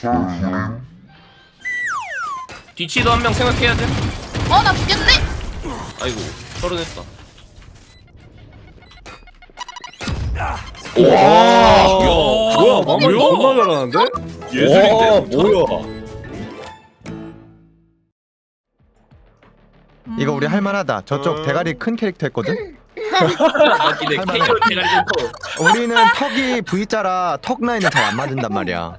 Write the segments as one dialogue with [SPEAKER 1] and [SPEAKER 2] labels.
[SPEAKER 1] 뒤치도 한 명 생각해야 돼.
[SPEAKER 2] 나 죽겠네.
[SPEAKER 1] 아이고 서른했다.
[SPEAKER 3] 와, 뭐야, 마무리
[SPEAKER 1] 뭐야?
[SPEAKER 3] 존나 잘하는데?
[SPEAKER 1] 예술인데?
[SPEAKER 3] 와, 뭐야?
[SPEAKER 4] 이거 우리 할만하다. 저쪽 대가리 큰 캐릭터 했거든.
[SPEAKER 1] 맞기네.
[SPEAKER 4] 할만해.
[SPEAKER 1] 캐리어 대가리 좀 커.
[SPEAKER 4] 우리는 턱이 V자라 턱 라인은 잘 안 맞는단 말이야.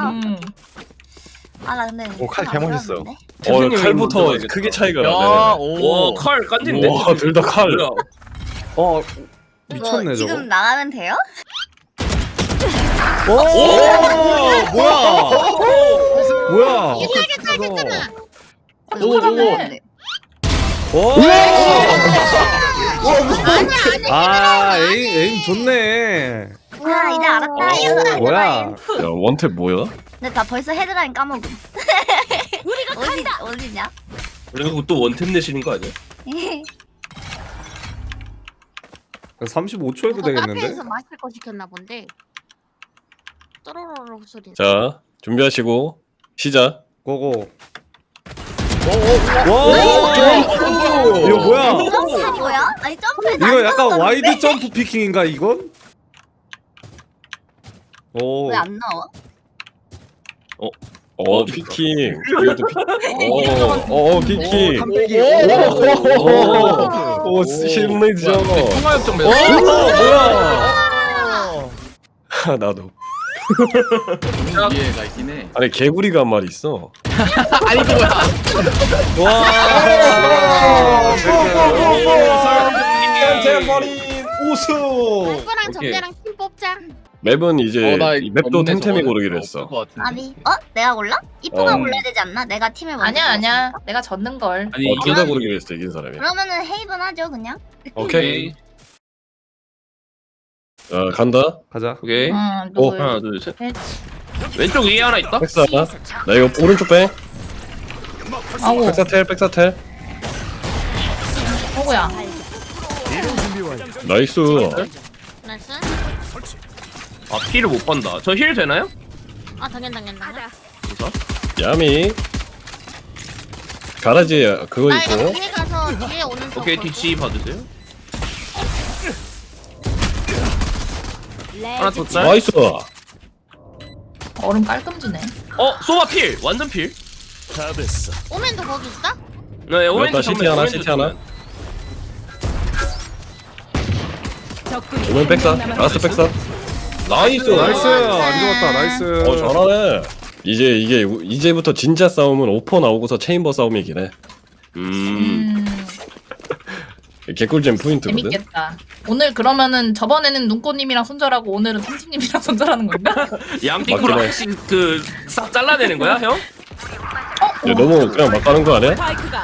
[SPEAKER 2] 나 근데
[SPEAKER 4] 칼 개멋있어.
[SPEAKER 3] 칼부터 크게 차이가 나네.
[SPEAKER 1] 와, 칼 깐진데.
[SPEAKER 3] 와, 둘 다 칼.
[SPEAKER 1] 뭐야?
[SPEAKER 3] 미쳤네, 저거.
[SPEAKER 2] 지금 나가면 돼요?
[SPEAKER 3] 오, 뭐야? 뭐야?
[SPEAKER 2] 괜찮아.
[SPEAKER 3] 오,
[SPEAKER 2] 아니야.
[SPEAKER 3] 에임 좋네.
[SPEAKER 2] 이제 알았다.
[SPEAKER 3] 뭐야? 야, 원탭 뭐야?
[SPEAKER 2] 근데 나 벌써 헤드라인 까먹음. 우리가 어디냐?
[SPEAKER 1] 그리고 또 원템 내시는 거 아니야?
[SPEAKER 3] 35초 해도 되겠는데?
[SPEAKER 5] 카페에서 마실 거 시켰나 본데. 또로로로 소리.
[SPEAKER 6] 자, 준비하시고 시작.
[SPEAKER 3] 고고. 와, 이거 뭐야?
[SPEAKER 2] 점프 뭐야? 아니 점프에
[SPEAKER 3] 이거 약간 와이드 점프 피킹인가 이건? 오.
[SPEAKER 2] 왜안 나와?
[SPEAKER 6] 피킹. 이것도 피킹.
[SPEAKER 4] 깜빡이.
[SPEAKER 6] 오, 실례죠.
[SPEAKER 1] 통화협정 맺어.
[SPEAKER 3] 뭐야?
[SPEAKER 6] 나도.
[SPEAKER 1] 이해가 있긴 해.
[SPEAKER 6] 아니 개구리가 한 마리 있어.
[SPEAKER 1] 아니 그거야.
[SPEAKER 3] 와.
[SPEAKER 1] 템템버린
[SPEAKER 3] 우승.
[SPEAKER 5] 누구랑
[SPEAKER 1] 오케이.
[SPEAKER 5] 정대랑 팀 뽑자.
[SPEAKER 6] 맵은 이제
[SPEAKER 1] 나
[SPEAKER 6] 이 맵도 템템이 고르기로 했어.
[SPEAKER 2] 아니 내가 골라? 이쁘가
[SPEAKER 6] 어.
[SPEAKER 2] 골라야 되지 않나? 내가 팀을 먼저
[SPEAKER 7] 아니야. 내가 졌는 걸.
[SPEAKER 1] 아니
[SPEAKER 6] 둘 다 고르기로 했어 이긴 사람이.
[SPEAKER 2] 그러면은 헤이븐 하죠 그냥.
[SPEAKER 6] 오케이. 자 간다.
[SPEAKER 3] 가자.
[SPEAKER 1] 오케이.
[SPEAKER 6] 오.
[SPEAKER 1] 하나 둘 셋. 왼쪽 위에 하나 있다.
[SPEAKER 6] 백사. 나 이거 오른쪽 빼.
[SPEAKER 7] 아우,
[SPEAKER 6] 백사텔.
[SPEAKER 7] 호구야.
[SPEAKER 6] 나이스.
[SPEAKER 5] 나이스.
[SPEAKER 1] 아 피를 못 본다. 저 힐 되나요?
[SPEAKER 5] 당연.
[SPEAKER 6] 야미. 가라지에 그거
[SPEAKER 5] 나 이거
[SPEAKER 6] 있고.
[SPEAKER 5] 뒤에 가서 뒤에 오는 거.
[SPEAKER 1] 오케이 뒤치 봐주세요. 하나 더 짤.
[SPEAKER 6] 나이스.
[SPEAKER 7] 얼음 깔끔지네.
[SPEAKER 1] 소바 필. 완전 필.
[SPEAKER 5] 오면도 거기 있어?
[SPEAKER 1] 네 오렌지
[SPEAKER 6] 시티
[SPEAKER 1] 정면,
[SPEAKER 6] 하나,
[SPEAKER 1] 오렌지
[SPEAKER 6] 시티 하나.
[SPEAKER 1] 정면.
[SPEAKER 6] 오면 백사. 라스트 백사. 나이스.
[SPEAKER 3] 나이스. 안 죽었다. 나이스.
[SPEAKER 6] 잘하네. 이제부터 진짜 싸움은 오퍼 나오고서 체인버 싸움이긴 해. 개꿀잼 포인트거든.
[SPEAKER 7] 재밌겠다. 오늘 그러면은 저번에는 눈꽃님이랑 손절하고 오늘은 탐진님이랑 손절하는 건가?
[SPEAKER 1] 양띵으로
[SPEAKER 6] 맞긴 해.
[SPEAKER 1] 하나씩 그싹 잘라내는 거야 형?
[SPEAKER 6] 야, 너무 그냥 막 가는 거 아니야?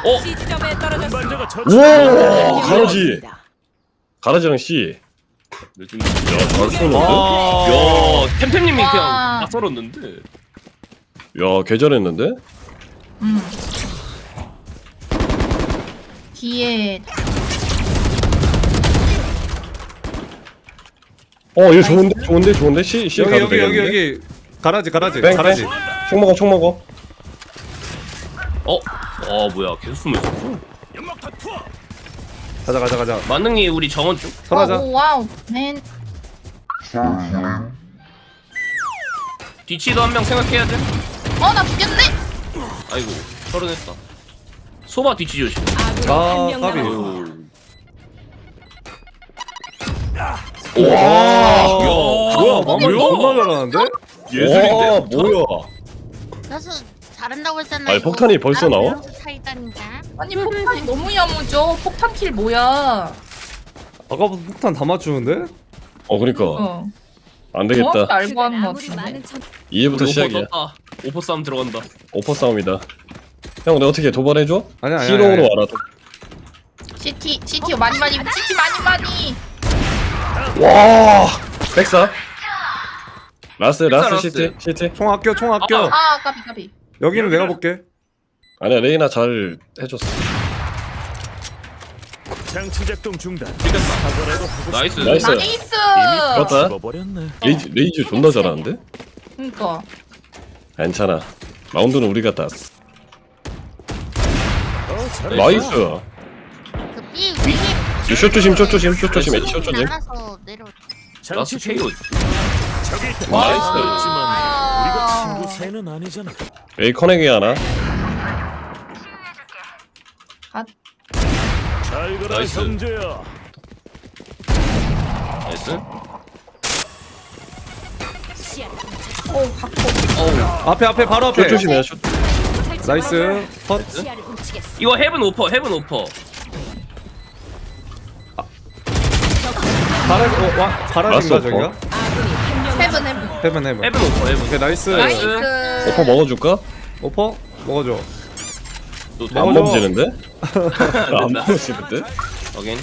[SPEAKER 1] 어?
[SPEAKER 6] 우와, 가라지랑 C. 잘 쏘는데?
[SPEAKER 1] 야 템템님이
[SPEAKER 7] 와.
[SPEAKER 1] 그냥 다 썰었는데.
[SPEAKER 6] 야, 개잘했는데?
[SPEAKER 7] 뒤에
[SPEAKER 6] 이거 좋은데? C 가도
[SPEAKER 3] 여기
[SPEAKER 6] 되겠는데?
[SPEAKER 3] 여기. 가라지.
[SPEAKER 6] 뺑,
[SPEAKER 3] 가라지.
[SPEAKER 6] 뺑. 총 먹어.
[SPEAKER 1] 뭐야 계속 숨어 있었어.
[SPEAKER 3] 가자.
[SPEAKER 1] 만능이 우리 정원 쪽.
[SPEAKER 3] 설하자.
[SPEAKER 7] 오, 와우. 맨.
[SPEAKER 1] 뒤치도 한 명 생각해야 돼.
[SPEAKER 7] 나 죽겠네.
[SPEAKER 1] 아이고 서른했다. 소바 뒤치 조심.
[SPEAKER 3] 아, 까비. 뭐야? 마무리 존나 잘하는데?
[SPEAKER 6] 예술인데? 뭐야?
[SPEAKER 5] 나서 잘한다고 했잖아.
[SPEAKER 6] 아니, 폭탄이 벌써 나와?
[SPEAKER 5] 차이다니까.
[SPEAKER 7] 아니 폭탄이 너무 야무져. 폭탄 킬 뭐야?
[SPEAKER 3] 아까부터 폭탄 다 맞추는데?
[SPEAKER 6] 그니까. 안
[SPEAKER 7] 정확히
[SPEAKER 6] 되겠다.
[SPEAKER 7] 알고 하는 거 같은데.
[SPEAKER 6] 이제부터
[SPEAKER 1] 오퍼
[SPEAKER 6] 시작이야.
[SPEAKER 1] 떴다. 오퍼 싸움 들어간다.
[SPEAKER 6] 오퍼 싸움이다. 형, 내가 어떻게 도발해줘?
[SPEAKER 3] 아니야.
[SPEAKER 6] 히로우로 와라.
[SPEAKER 7] CT 많이.
[SPEAKER 6] 와! 백사. 라스
[SPEAKER 1] 라스.
[SPEAKER 6] 시티.
[SPEAKER 3] 총 아껴.
[SPEAKER 7] 까비.
[SPEAKER 3] 여기는 내가 볼게.
[SPEAKER 6] 아니야, 레이나 잘 해줬어.
[SPEAKER 8] 장치 작동 중단.
[SPEAKER 1] 나이스.
[SPEAKER 6] 나이스.
[SPEAKER 7] 나이스.
[SPEAKER 6] 그렇다.
[SPEAKER 8] 죽어버렸네.
[SPEAKER 6] 레이즈 존나 잘하는데?
[SPEAKER 7] 그러니까
[SPEAKER 6] 괜찮아. 라운드는 우리가 땄어.
[SPEAKER 8] 잘했어.
[SPEAKER 6] 나이스.
[SPEAKER 5] 그 B 위에
[SPEAKER 6] 슛 조심, 슛 조심, 슛 조심, 슛 조심.
[SPEAKER 5] 알아서 내려.
[SPEAKER 1] 라스
[SPEAKER 8] 장치
[SPEAKER 1] 케이오.
[SPEAKER 8] 저기 있다.
[SPEAKER 6] 나이스.
[SPEAKER 8] 그렇지만 우리가 친구 사이는 아니잖아.
[SPEAKER 6] 에이 커넥이 하나.
[SPEAKER 8] 잘 가라
[SPEAKER 1] 나이스.
[SPEAKER 8] 형제야.
[SPEAKER 1] 나이스.
[SPEAKER 7] 오 갖고.
[SPEAKER 1] 어우.
[SPEAKER 3] 앞에 바로 앞에.
[SPEAKER 6] 슛 조심해. 슛.
[SPEAKER 3] 나이스. 컷.
[SPEAKER 1] 이거 헤븐 오퍼, 헤븐 오퍼.
[SPEAKER 3] 바라진가
[SPEAKER 6] 알았어,
[SPEAKER 3] 저기가?
[SPEAKER 7] 헤븐.
[SPEAKER 3] 헤븐.
[SPEAKER 1] 헤븐 오퍼, 헤븐.
[SPEAKER 3] 오케이 나이스.
[SPEAKER 1] 나이스.
[SPEAKER 6] 오퍼 먹어줄까?
[SPEAKER 3] 오퍼 먹어줘.
[SPEAKER 1] 또
[SPEAKER 6] 안
[SPEAKER 3] 먹어줘.
[SPEAKER 6] 먹지는데? 안
[SPEAKER 1] 된다.
[SPEAKER 6] 먹지는데?
[SPEAKER 1] 확인.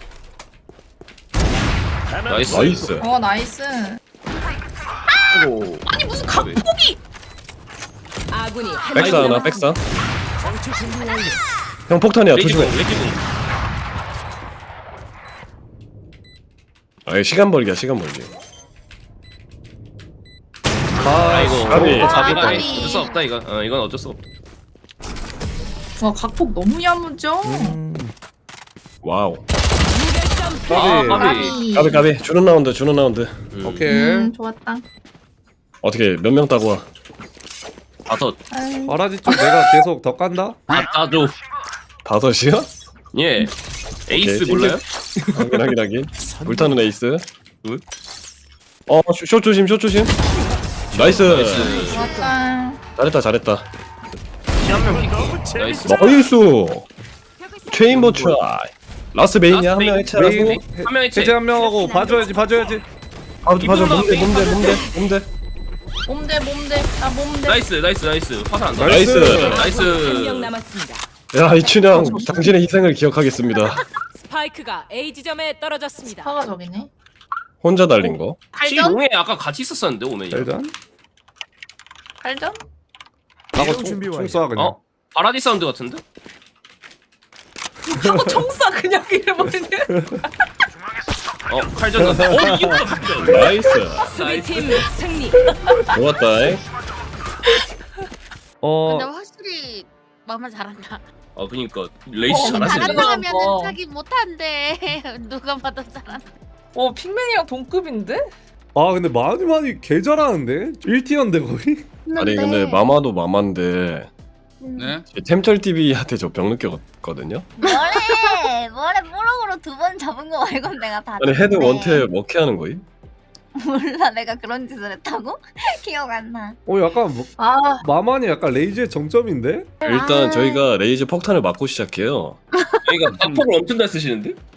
[SPEAKER 8] 하나
[SPEAKER 1] 나이스.
[SPEAKER 6] 나이스.
[SPEAKER 7] 어 나이스.
[SPEAKER 1] 오.
[SPEAKER 7] 아니 무슨 각폭이?
[SPEAKER 9] 아군이 한
[SPEAKER 6] 백사
[SPEAKER 9] 명
[SPEAKER 6] 하나, 백사.
[SPEAKER 8] 장치 준비 완료.
[SPEAKER 6] 형 폭탄이야.
[SPEAKER 1] 레지공,
[SPEAKER 6] 조심해.
[SPEAKER 1] 레지공.
[SPEAKER 6] 아 시간 벌기야, 시간 벌기.
[SPEAKER 1] 아이고.
[SPEAKER 6] 까비.
[SPEAKER 1] 자비가
[SPEAKER 7] 까비.
[SPEAKER 1] 어쩔 수 없다 이거. 이건 어쩔 수 없다.
[SPEAKER 7] 와 각폭 너무 야무져.
[SPEAKER 6] 와우.
[SPEAKER 3] 까비.
[SPEAKER 1] 까비.
[SPEAKER 6] 까비 까비. 주는 라운드, 주는 라운드.
[SPEAKER 3] 오케이.
[SPEAKER 7] 좋았다.
[SPEAKER 6] 어떻게 몇 명 따고 와?
[SPEAKER 1] 다섯.
[SPEAKER 7] 아유,
[SPEAKER 3] 바라지 쪽 내가 계속 더 깐다.
[SPEAKER 1] 따줘.
[SPEAKER 6] 5이야?
[SPEAKER 1] 예. 에이스
[SPEAKER 6] 오케이,
[SPEAKER 1] 몰라요?
[SPEAKER 6] 확인. 불타는 에이스.
[SPEAKER 1] 응?
[SPEAKER 6] 슛 조심, 슛 조심. 나이스.
[SPEAKER 1] 나이스.
[SPEAKER 7] 좋았다.
[SPEAKER 6] 잘했다.
[SPEAKER 1] 한명 픽.
[SPEAKER 8] 너무
[SPEAKER 1] 나이스.
[SPEAKER 8] 재밌어.
[SPEAKER 6] 나이스. 체인버 트라이. 라스 메인이야. 한 명 해체하고.
[SPEAKER 3] 메인
[SPEAKER 1] 한 명 해체.
[SPEAKER 3] 해제 한 명하고 봐줘야지.
[SPEAKER 6] 봐줘.
[SPEAKER 1] 이분만
[SPEAKER 6] 몸대.
[SPEAKER 7] 몸대. 나 몸대.
[SPEAKER 1] 나이스. 화살 안 나.
[SPEAKER 6] 나이스.
[SPEAKER 1] 나이스.
[SPEAKER 9] 한 명 남았습니다.
[SPEAKER 6] 야 이춘향 당신의 희생을 기억하겠습니다.
[SPEAKER 9] 스파이크가 A 지점에 떨어졌습니다.
[SPEAKER 7] 파가 저기네.
[SPEAKER 6] 혼자 달린 거.
[SPEAKER 7] 칼전?
[SPEAKER 1] C동에 아까 같이 있었었는데 오면이.
[SPEAKER 3] 일단
[SPEAKER 7] 칼전?
[SPEAKER 3] 나고
[SPEAKER 8] 준비 완료.
[SPEAKER 3] 총쏴 그냥.
[SPEAKER 1] 어? 파라디 사운드 같은데?
[SPEAKER 7] 하고 총쏴 그냥 이래버리네.
[SPEAKER 1] 칼전 같아. 이거도 칼전.
[SPEAKER 6] 나이스.
[SPEAKER 9] 수비팀 승리.
[SPEAKER 6] 좋았다.
[SPEAKER 5] 근데 확실히 마마 잘한다.
[SPEAKER 1] 그니까 레이스 잘하시네.
[SPEAKER 7] 잘한다.
[SPEAKER 5] 잘한다 하면은
[SPEAKER 7] 어.
[SPEAKER 5] 자기 못한대. 누가 봐도 잘한다.
[SPEAKER 7] 핑맨이랑 동급인데?
[SPEAKER 3] 아 근데 많이 개 잘하는데? 1티어인데 거의?
[SPEAKER 6] 아니 근데 마마도 마마인데
[SPEAKER 10] 네?
[SPEAKER 6] 템철 TV한테 저 병 느꼈거든요.
[SPEAKER 2] 뭐래 뽀록으로 2번 잡은 거 말곤 내가 다
[SPEAKER 6] 아니 헤드
[SPEAKER 2] 듣는데.
[SPEAKER 6] 원탭 먹게 하는 거임?
[SPEAKER 2] 몰라 내가 그런 짓을 했다고? 기억 안나
[SPEAKER 3] 약간
[SPEAKER 7] 아
[SPEAKER 3] 마만이 약간 레이즈의 정점인데?
[SPEAKER 6] 일단 저희가 레이저 폭탄을 맞고 시작해요.
[SPEAKER 1] 여기가 박폭을 엄청 잘 쓰시는데?